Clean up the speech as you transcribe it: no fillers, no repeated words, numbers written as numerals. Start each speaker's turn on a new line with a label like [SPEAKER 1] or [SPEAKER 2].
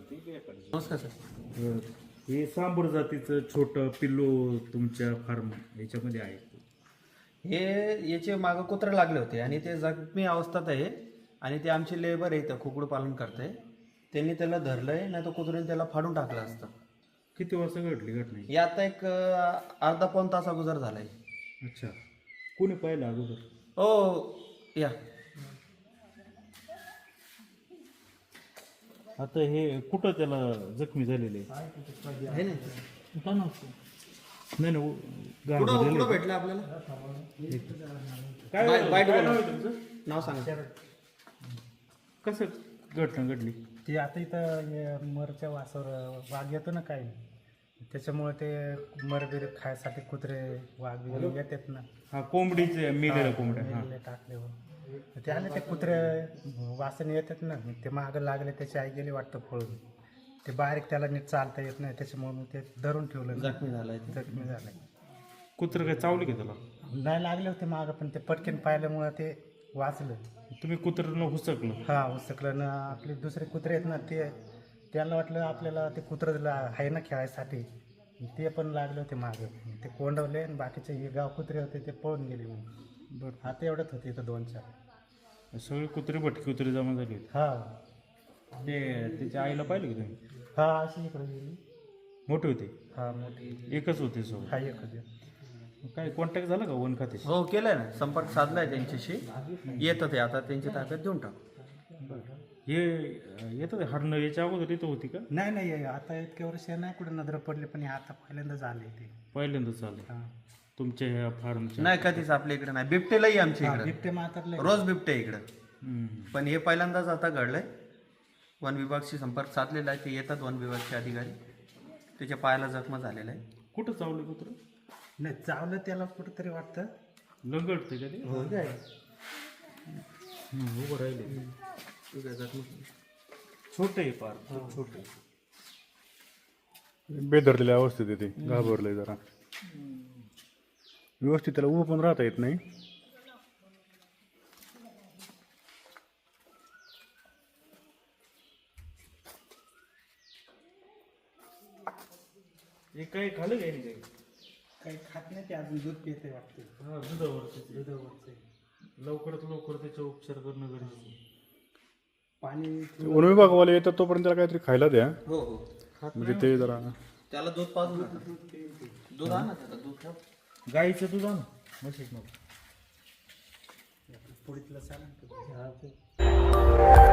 [SPEAKER 1] नमस्कार सर.
[SPEAKER 2] हे सांबर जातीचं छोटं पिल्लू तुमच्या फार्म याच्यामध्ये आहे.
[SPEAKER 1] हे याचे मागं कुत्रे लागले होते आणि ते जखमी अवस्थेत आहे आणि ते आमचे लेबर आहे इथं कुकुड पालन करते. त्यांनी त्याला धरलंय, नाही तर कुत्र्याने त्याला फाडून टाकलं असतं.
[SPEAKER 2] किती वाजता घडली घटना ही?
[SPEAKER 1] हे आता एक अर्धा पाऊण तास अगोदर झालाय.
[SPEAKER 2] अच्छा, कोणी पाहिलं अगोदर?
[SPEAKER 1] हो या.
[SPEAKER 2] आता हे कुठं त्याला जखमी झालेले
[SPEAKER 1] आहे ना
[SPEAKER 2] नाही ना गाव
[SPEAKER 1] कुठं
[SPEAKER 2] झालेलं आहे.
[SPEAKER 1] भेटलं आपल्याला?
[SPEAKER 2] काय
[SPEAKER 1] बाईट
[SPEAKER 2] काय
[SPEAKER 1] बोला.
[SPEAKER 2] नाव आहे तुमचं?
[SPEAKER 1] नाव सांगा.
[SPEAKER 2] कसं घटना घडली?
[SPEAKER 3] ते आता इथं मरच्या वासावर वाघ येतो ना काही, त्याच्यामुळे ते मरबिर खायसाठी कुत्रे वाघ वगैरे येतात ना,
[SPEAKER 2] हा कोंबडीचे मेलेल्या कोंबड्या. हा
[SPEAKER 3] मेलेले टाकल्यावर ते आले ते कुत्रे वासने येतात ना, ते मागं लागले, त्याची आई गेली वाटतं पळून. ते बारीक त्याला नीट चालता येत नाही, त्याच्यामुळे मग ते धरून ठेवलं ना.
[SPEAKER 1] जखमी झालाय ते.
[SPEAKER 3] जखमी झालाय.
[SPEAKER 2] कुत्र काय चावले की त्याला?
[SPEAKER 3] नाही लागले होते मागं, पण ते पटकन पाहिल्यामुळं ते वाचलं.
[SPEAKER 2] तुम्ही कुत्र्यानं हुसकलं?
[SPEAKER 3] हा उसकलं ना. आपले दुसरे कुत्रे आहेत ना, ते त्यांना वाटलं आपल्याला ते कुत्रं आहे ना खेळायसाठी, ते पण लागले होते मागं. ते कोंडवले आणि बाकीचे हे गाव कुत्रे होते ते पळून गेले. मग
[SPEAKER 2] बरं,
[SPEAKER 3] आता एवढंच होते इथं 2-4.
[SPEAKER 2] सगळे कुत्रे भटकी कुत्रे जमा झाले होते.
[SPEAKER 3] हा
[SPEAKER 2] ते त्याच्या आईला पाहिलं की तुम्ही?
[SPEAKER 3] हा अशी इकडे गेली.
[SPEAKER 2] मोठे होते?
[SPEAKER 3] हा मोठी.
[SPEAKER 2] एकच होते सोबत?
[SPEAKER 3] हा एकच.
[SPEAKER 2] काय कॉन्टॅक्ट झाला का वन खात्याशी?
[SPEAKER 1] हो केलंय ना, संपर्क साधलाय त्यांच्याशी. येतं ते आता त्यांची ताब्यात देऊन टाकू.
[SPEAKER 2] हे येतं हरणं याच्या अगोदर इथं होती का?
[SPEAKER 3] नाही नाही, आता इतक्या वर्ष नाही कुठे नजर पडले, पण हे आता पहिल्यांदा झाले ते.
[SPEAKER 2] पहिल्यांदाच चालू
[SPEAKER 3] हा
[SPEAKER 2] तुमच्या ह्या फार्मच्या?
[SPEAKER 1] नाही कधीच आपल्या इकडे नाही. बिबटेलाही आमच्या इकडे
[SPEAKER 3] बिबटे मातरले.
[SPEAKER 1] रोज बिबटे इकडं,
[SPEAKER 2] हम्म.
[SPEAKER 1] पण हे पहिल्यांदाच आता घडलंय. वन विभागशी संपर्क साधलेला आहे. ते येतात वन विभागचे अधिकारी. त्याच्या पायाला जखमा झालेला आहे.
[SPEAKER 2] कुठं चावले कुत्र?
[SPEAKER 3] नाही चावलं त्याला कुठंतरी वाटतं.
[SPEAKER 2] लंगडते का ते?
[SPEAKER 1] हो काय
[SPEAKER 2] उभं राहिले. छोटे आहे फार, खूप छोटे.
[SPEAKER 4] बेदरलेल्या अवस्थेत येते, घाबरलंय जरा. व्यवस्थित त्याला उभं पण राहता येत नाही.
[SPEAKER 2] हे काही खाल्लं काही नाही?
[SPEAKER 3] काही खात नाही ते, अजून दूध पिते वाटतं.
[SPEAKER 2] हा, दुधावरती.
[SPEAKER 3] दुधावरचं
[SPEAKER 2] लवकरात लवकर त्याचा उपचार करणं गरजेचं आहे.
[SPEAKER 3] पाणी.
[SPEAKER 4] वन विभागवाले येतात तोपर्यंत त्याला काहीतरी खायला द्या,
[SPEAKER 1] हो हो.
[SPEAKER 4] म्हणजे ते जरा.
[SPEAKER 1] त्याला दूध पाजून दूध आणा, त्याला दूध ठेव.
[SPEAKER 2] गाईचं दूध आण म्हशीचं नको.
[SPEAKER 3] पुढीतलं चालेल.